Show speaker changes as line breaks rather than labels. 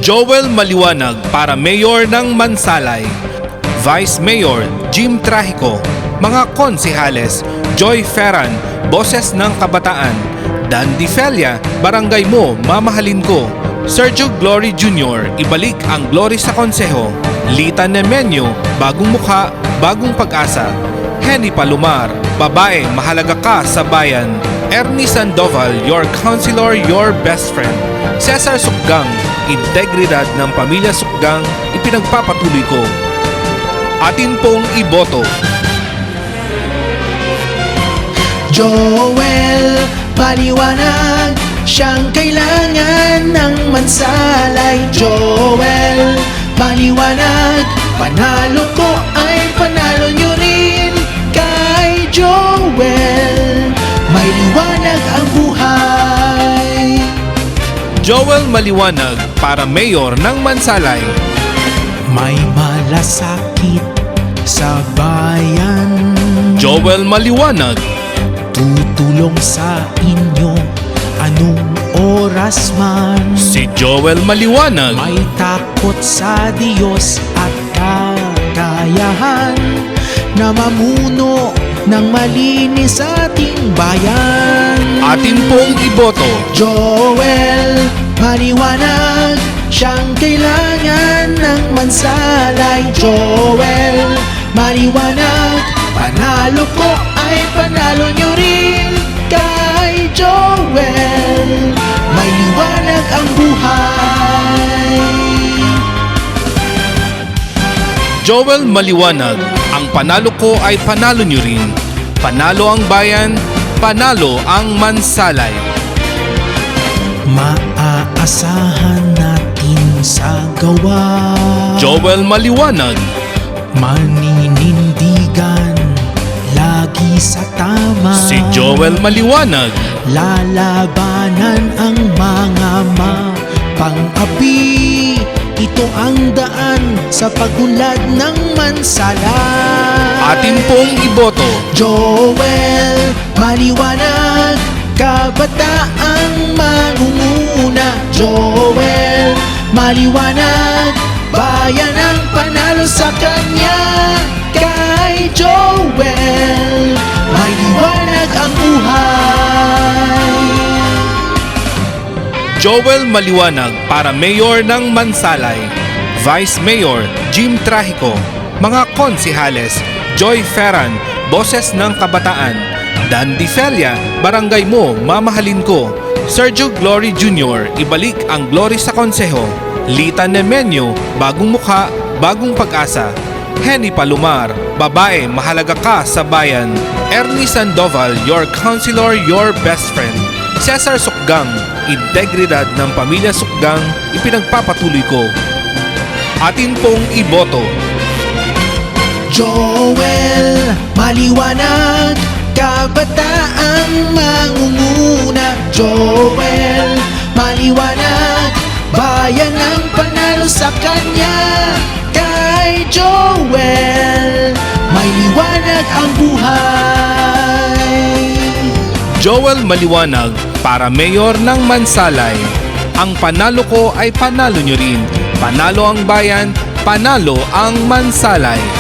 Joel Maliwanag para Mayor ng Mansalay, Vice Mayor Jim Trahico, mga konsehales Joy Ferran, Boses ng Kabataan, Dan Di Felia, Barangay Mo, Mamahalin Ko, Sergio Glory Jr., Ibalik ang Glory sa Konseho, Lita Nemenyo, Bagong Mukha, Bagong Pag-asa, Henny Palomar, Babae, Mahalaga Ka sa Bayan, Ernie Sandoval, Your Counselor, Your Best Friend, Cesar Sukgang, Integridad ng Pamilya Sukgang, ipinagpapatuloy ko. Atin pong iboto.
Joel Maliwanag, siyang kailangan ng Mansalay. Joel Maliwanag, panalo ko ay panalo nyo rin. Kay Joel may liwanag ang buhay.
Joel Maliwanag para Mayor ng Mansalay.
May malasakit sa bayan,
Joel Maliwanag.
tutulong sa inyo anong oras man.
Si Joel Maliwanag.
May takot sa Diyos at kakayahan na mamuno ng malinis sa ating bayan.
Atin pong iboto.
Joel Maliwanag, siyang kailangan ng Mansalay. Joel Maliwanag, panalo ko ay panalo nyo rin. Kay Joel may liwanag ang buhay.
Joel Maliwanag, ang panalo ko ay panalo nyo rin. Panalo ang bayan, panalo ang Mansalay.
Maaasahan natin sa gawa,
Joel Maliwanag.
maninindigan lagi sa tama.
Si Joel Maliwanag.
Lalabanan ang mga mapang-api. Ito ang daan sa pagunlad ng Mansalay.
Atin pong iboto.
Joel Maliwanag, kabataang mangunguna. Joel Maliwanag, bayan ang panalo sa kanya. Kay Joel may liwanag ang buhay.
Joel Maliwanag para Mayor ng Mansalay, Vice Mayor Jim Trahico, mga konsehales Joy Ferran, Boses ng Kabataan, Dan Di Felia, Barangay Mo, Mamahalin Ko, Sergio Glory Jr., Ibalik ang Glory sa Konseho, Lita Nemenyo, Bagong Mukha, Bagong Pag-asa, Henny Palomar, Babae, Mahalaga Ka sa Bayan, Ernie Sandoval, Your Counselor, Your Best Friend, Cesar Sukgang, Integridad ng Pamilya Sukgang, ipinagpapatuloy ko. Atin pong iboto.
Joel Maliwanag, kabataang mangunguna. Joel Maliwanag, bayan ang panalo sa kanya. Kay Joel may liwanag ang buhay.
Joel Maliwanag para Mayor ng Mansalay. Ang panalo ko ay panalo nyo rin. Panalo ang bayan, panalo ang Mansalay.